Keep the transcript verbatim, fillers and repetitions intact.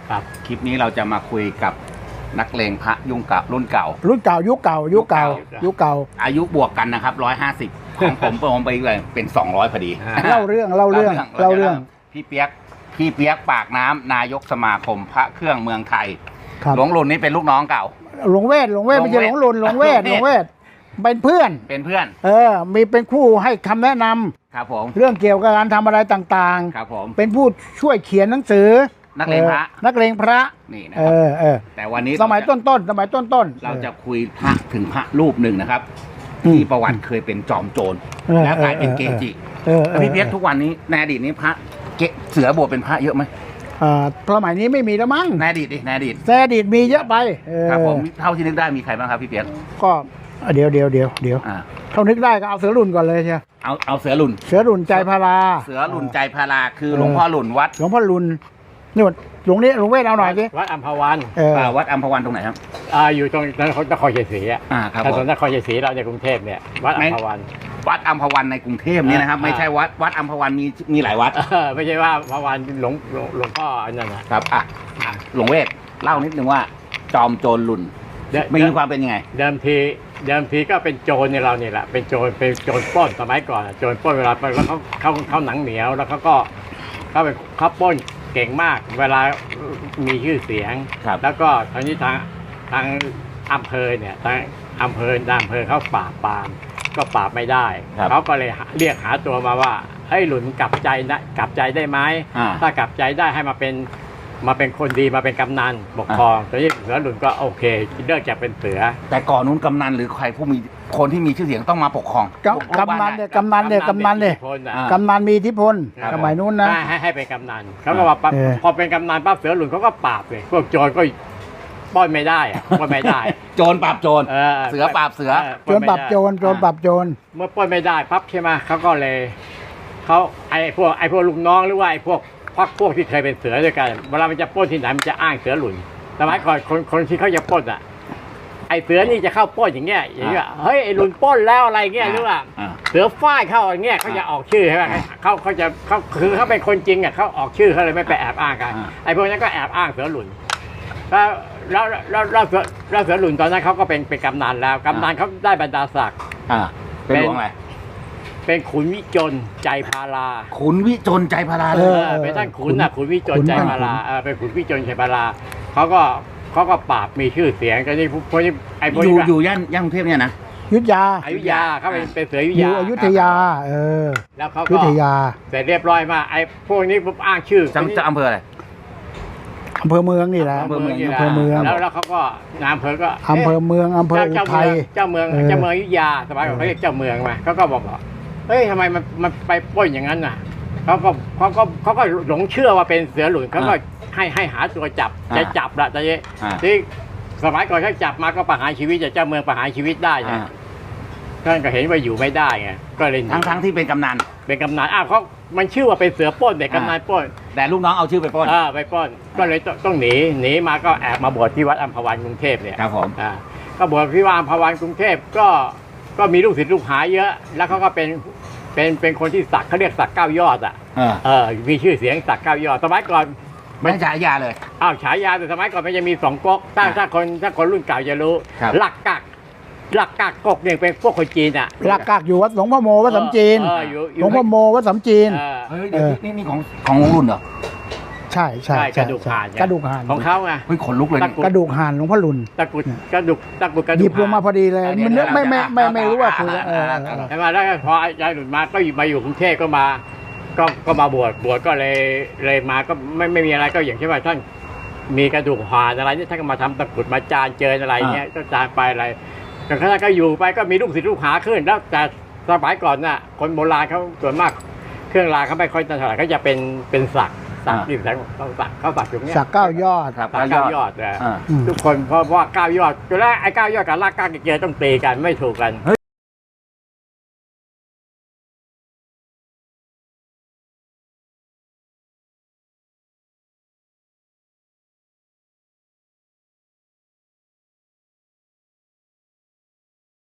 ครับคลิปนี้เราจะมาคุยกับนักเลงพระยุ่งเก่ารุ่นเก่ารุ่นเก่ายุคเก่ายุคเก่ายุคเก่าอายุบวกกันนะครับร้อยห้าสิบของผมผมไปเลยเป็นสองร้อยพอดีเล่าเรื่องเล่าเรื่องเล่าเรื่องพี่เปียกพี่เปียกปากน้ำนายกสมาคมพระเครื่องเมืองไทยครับหลวงรุ่นนี้เป็นลูกน้องเก่าหลวงเวทหลวงเวทไม่ใช่หลวงลุนหลวงเวทหลวงเวทเป็นเพื่อนเป็นเพื่อนเออมีเป็นคู่ให้คำแนะนำครับผมเรื่องเกี่ยวกับการทำอะไรต่างครับผมๆ เป็นผู้ช่วยเขียนหนังสือนักเลงพระออนักเลงพระนี่นะเอครับอเออแต่วันนี้สมัยต้นๆสมัยต้นๆเราจะคุยพระถึงพระรูปหนึ่งนะครับที่ประวัติเคยเป็นจอมโจรเออแล้วกลายเป็นเกจิเออเออพี่เปียกทุกวันนี้ในอดีตนี้พระเกเสือบวชเป็นพระเยอะไหมอ่าสมัยนี้ไม่มีแล้วมั้งในอดีตดิในอดีตแต่อดีตมีเยอะไปเออครับผมเท่าที่นึกได้มีใครบ้างครับพี่เปียกก็เดี๋ยวเดี๋ยวเดี๋ยวเดี๋ยวอ่าเท่านึกได้ก็เอาเสือรุ่นก่อนเลยใช่ไหมเอาเอาเสือหลุนเสือรุ่นใจพาราเสือหลุนใจพาราคือหลวงพ่อหลุนวัดหลวงพ่อรุ่นนี่หลวงนี้หลวงเวทเอาหน่อยสิวัดอัมพวันเอออ่าวัดอัมพวันตรงไหนครับอ่าอยู่ตรงนครนครชัยศรีอ่ะอ่าครับถผนมนนครชัยศรีเราในกรุงเทพเนี่ยวัดอัมพวันวัดอัมพวันในกรุงเทพนี่นะครับอ่าไม่ใช่วัดวัดอัมพวันมีมีหลายวัดเออไม่ใช่ว่าอัมพวันหลวงหลวงหลวงพ่ออันนั้นนะครับอ่ะอ่ะหลวงเวทเล่านิดนึงว่าจอมโจรหลุนเดิมมีความเป็นยังไงเดิมทีเดิมทีก็เป็นโจรในเราเนี่ยแหละเป็นโจรเป็นโจรปล้นสมัยก่อนอะโจรปล้นเวลาไปแล้วเขาเขาเขาหนังเหนียวแล้วเขาก็เขาเป็นเขาปล้นเก่งมาก เวลามีชื่อเสียงครับแล้วก็ทางนี้ทางทางอำเภอเนี่ยทางอำเภอทางอำเภอเขาปราบปรามก็ปราบไม่ได้ครับเขาก็เลยหาเรียกหาตัวมาว่าเฮ้ยหลุนกลับใจนะกลับใจได้ไหมอ่าถ้ากลับใจได้ให้มาเป็นมาเป็นคนดีมาเป็นกำนันปกครองตอนนี้เสือหลุนก็โอเคเลิกจากเป็นเสือแต่ก่อนนู้นกำนันหรือใครผู้มีคนที่มีชื่อเสียงต้องมาปกครองกำกำนันเนี่ยกำนันเนี่ยกำนันเนี่ยคนอ่ะอ่ากำนันมีอิทธิพลครับสมัยนู้นนะให้ให้ให้เป็นกำนันเขาก็ว่าปั๊บเออพอเป็นกำนันปั๊บเสือหลุนเขาก็ปราบเลยพวกโจรก็ปล้นไม่ได้อะปล้นไม่ได้โจรปราบโจรเออเสือปราบเสือโจรปรับโจรโจรปรับโจรเมื่อปล้นไม่ได้ปั๊บใช่ไหมเขาก็เลยเขาไอ้พวกไอ้พวกลูกน้องหรือว่าไอ้พวกพักพวกที่เคยเป็นเสือด้วยกันเวลามันจะปล้นที่ไหนมันจะอ้างเสือหลุนสมัยก่อนคนคนที่เขาจะปล้นอ่ะไอ้เสือนี่จะเข้าปล้นอย่างเงี้ยอย่างเงี้ยเฮ้ยไอ้หลุนปล้นแล้วอะไรเงี้ยหรือว่าอ่าเสือฝ้ายเข้าอย่างเงี้ยเขาจะออกชื่อใช่ไหมเขาเขาจะเขาคือเขาเป็นคนจริงอ่ะเขาออกชื่อเขาเลยไม่ไปแอบอ้างกันอ่าไอ้พวกนั้นก็แอบอ้างเสือหลุนแล้วแล้วแล้วแล้วเสือแล้วเสือหลุนตอนนั้นเขาก็เป็นเป็นกำนันแล้วกำนันเขาได้บรรดาศักดิ์อ่าเป็นหลวงอะไรเป็นขุนวิจนใจพาราขุนวิจนใจพาราเอเลยอเออเป็นท่านขุนน่ะขุนวิจนขุนใจพาราเออเป็นขุนวิจนใจพาราเขาก็เขาก็ปราบมีชื่อเสียงก็นี่พวกนี้ไอ้พวกอยู่นี้ก็อยู่ย่านย่านกรุงเทพเนี่ยนะยุทธยาอยุธยาเขาเป็นเป็นเสืออยุธอยู่ยาอยุธยา เออแล้วเขายุก็ธยาเสร็จเรียบร้อยมาไอ้พวกนี้ปุ๊บอ้างชื่อจังจะอำเภออะไรอำเภอเมืองนี่แหละอำเภอเมืองนี่แหละอำเภอเมืองแล้วแล้วเขาก็นายอำเภอก็อำเภอเมืองอำเภออุเจ้าทัยเจ้าเมืองเออเจ้าเมืองอยุธยาสมัยก่อนเขาเรียกเจ้าเมืองมาเขาก็บอกว่าเฮ้ยทำไมมันมันไปปล้นอย่างนั้นน่ะเขาก็เขาก็เขาก็หลงเชื่อว่าเป็นเสือหลุนเขาก็ให้ให้หาตัวจับจะจับละแต่เนี่ยอ่าที่สมัยก่อนเขาจับมาก็ประหารชีวิตจะเจ้าเมืองประหารชีวิตได้ไงอ่าท่านก็เห็นว่าอยู่ไม่ได้ไงก็เลยหนีทั้งทั้งที่เป็นกำนันเป็นกำนันอ้าวเขามันชื่อว่าเป็นเสือปล้นแต่กำนันปล้นแต่ลูกน้องเอาชื่อไปปล้นอ่าไปปล้นก็เลยต้องต้องหนีหนีมาก็แอบมาบวชที่วัดอัมพวันกรุงเทพเนี่ยครับผมอ่าก็บวชที่วัดอัมพวันกรุงเทพก็ก็มีลูกศิษย์ลูกหาเยอะ แล้วเขาก็เป็นเป็นเป็นคนที่สักเขาเรียกสักเก้ายอดอ่ะเออเออมีชื่อเสียงสักเก้ายอดสมัยก่อนไม่ใช่ฉายาเลยอ้าวฉายาแต่สมัยก่อนมันจะมีสองก๊กถ้าอ่าถ้าคนถ้าคนรุ่นเก่าจะรู้ครับหลักกักหลักกักก๊กเนี่ยเป็นพวกคนจีนอ่ะหลักกากอยู่วัดหลวงพ่อโมวัดสำจีนเอออยู่อยู่หลวงพ่อโมวัดสำจีนเออเฮ้ยเดี๋ยวนี่นี่ของของหลวงรุ่นเหรอใช่ใช่ใช่กระดูกห่านกระดูกห่านของเขาไงเฮ้ยขนลุกเลยนี่กระดูกห่านหลวงพ่อรุนตะกรุดกระดูกตะกรุดกระหดูยิกบลงมาพอดีเลยเดี๋ยวมันนึกไม่ไม่เดี๋ยวไม่เดี๋ยวไม่รู้ว่าเดี๋คืยวอเออเออเออใช่ไหมแล้วก็พอยายหลุดมาก็อยู่มาอยู่กรุงเทพก็มา ก็ก็มาบวชบวชก็เลยเลยมาก็ไม่ไม่มีอะไรก็อย่างเช่นว่าท่านมีกระดูกห่านอะไรเนี่ยท่านก็มาทำตะกรุดมาจานเจิญอะไรเงี้ยก็จานไปอะไรแต่ท่านก็อยู่ไปก็มีลูกศิษย์ลูกหาขึ้น แล้วแต่สมัยก่อนน่ะคนโบราณเขาส่วนมาก เครื่องรางเขาไม่ค่อยถนัดเขาจะเป็นเป็นสักสักที่แสงเขาสักเขาสักอยู่เนี้ยสักเก้ายอดครับสักเก้ายอดนะอ่าอืมทุกคนเพราะว่าเก้ายอดจุดแรกไอ้เก้ายอดกับลากเก้าเกียร์ต้องตีกันไม่ถูกกัน